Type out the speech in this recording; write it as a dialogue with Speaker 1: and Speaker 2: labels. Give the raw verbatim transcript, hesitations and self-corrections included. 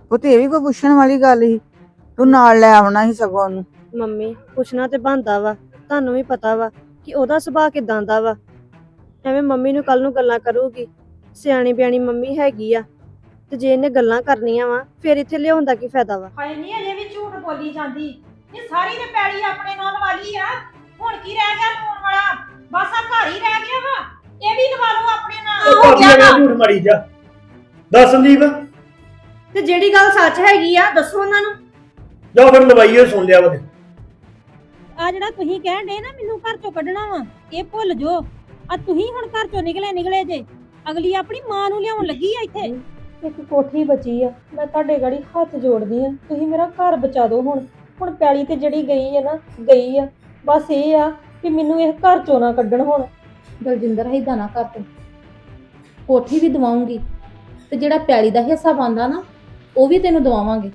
Speaker 1: ਉਹ ਤੇ ਇਹ ਵੀ ਕੋਈ ਪੁੱਛਣ ਵਾਲੀ ਗੱਲ ਸੀ। ਤੂੰ ਨਾਲ ਲੈ ਆਉਣਾ ਸੀ ਸਗੋਂ ਉਹਨੂੰ।
Speaker 2: ਮੰਮੀ ਪੁੱਛਣਾ ਤੇ ਬਣਦਾ ਵਾ, ਤੁਹਾਨੂੰ ਵੀ ਪਤਾ ਵਾ ਕਿ ਉਹਦਾ ਸੁਭਾਅ ਕਿਦਾਂ ਦਾ ਵਾ। ਐਵੇਂ ਮੰਮੀ ਨੂੰ ਕੱਲ ਨੂੰ ਗੱਲਾਂ ਕਰੂਗੀ। ਸਿਆਣੀ ਬਿਆਣੀ ਮੰਮੀ ਹੈਗੀ ਆ, ਤੇ ਜੇ ਇਹਨੇ ਗੱਲਾਂ ਕਰਨੀਆਂ ਵਾ ਫਿਰ ਇੱਥੇ ਲਿਆਉਣ ਦਾ ਕੀ ਫਾਇਦਾ ਵਾ।
Speaker 3: ਹਾਏ ਨਹੀਂ ਅਜੇ ਵੀ ਝੂਠ ਬੋਲੀ ਜਾਂਦੀ। ਇਹ ਸਾਰੀ ਤੇ ਪੈਲੀ ਆਪਣੇ ਨਾਲ ਵਾਲੀ ਆ। ਹੁਣ ਕੀ ਰਹਿ ਗਿਆ ਲਵਾਉਣ ਵਾਲਾ? ਬਸ ਆ ਘਰ ਹੀ ਰਹਿ ਗਿਆ ਵਾ। ਇਹ ਵੀ ਲਵਾ ਲਓ ਆਪਣੇ ਨਾਲ।
Speaker 4: ਉਹ ਭਾਬੀ ਆ ਝੂਠ ਮਾਰੀ ਜਾ। ਦੱਸ ਸੰਦੀਪ,
Speaker 2: ਤੇ ਜਿਹੜੀ ਗੱਲ ਸੱਚ ਹੈਗੀ ਆ ਦੱਸੋ ਉਹਨਾਂ ਨੂੰ।
Speaker 4: ਜਾ ਫਿਰ ਲਵਾਈਏ, ਸੁਣ ਲਿਆ ਵਾ।
Speaker 5: ਆ ਜਿਹੜਾ ਤੁਸੀਂ ਕਹਿਣ ਡੇ ਨਾ ਮੈਨੂੰ ਘਰ ਚੋਂ ਕੱਢਣਾ ਵਾ, ਇਹ ਭੁੱਲ ਜੋ। ਆ ਤੁਸੀਂ ਹੁਣ ਘਰ ਚੋਂ ਨਿਕਲੇ ਨਿਕਲੇ ਜੇ, ਅਗਲੀ ਆਪਣੀ ਮਾਂ ਨੂੰ ਲਿਆਉਣ ਲੱਗੀ ਆ ਇੱਥੇ।
Speaker 3: ਇੱਕ ਕੋਠੀ ਬਚੀ ਆ, ਮੈਂ ਤੁਹਾਡੇ ਗਾੜੀ ਹੱਥ ਜੋੜਦੀ ਆ, ਤੁਸੀਂ ਮੇਰਾ ਘਰ ਬਚਾ ਦਿਓ। ਹੁਣ ਹੁਣ ਪੈਲੀ ਤੇ ਜਿਹੜੀ ਗਈ ਆ ਨਾ ਗਈ ਆ। ਬਸ ਇਹ ਆ ਕਿ ਮੈਨੂੰ ਇਹ ਘਰ ਚੋਂ ਨਾ ਕੱਢਣ। ਹੁਣ
Speaker 6: ਦਲਜਿੰਦਰ ਏਦਾਂ ਨਾ ਕਰ ਤੂੰ, ਕੋਠੀ ਵੀ ਦਵਾਉਂਗੀ ਤੇ ਜਿਹੜਾ ਪੈਲੀ ਦਾ ਹਿੱਸਾ ਬਣਦਾ ਨਾ ਉਹ ਵੀ ਤੈਨੂੰ ਦਵਾਵਾਂਗੇ।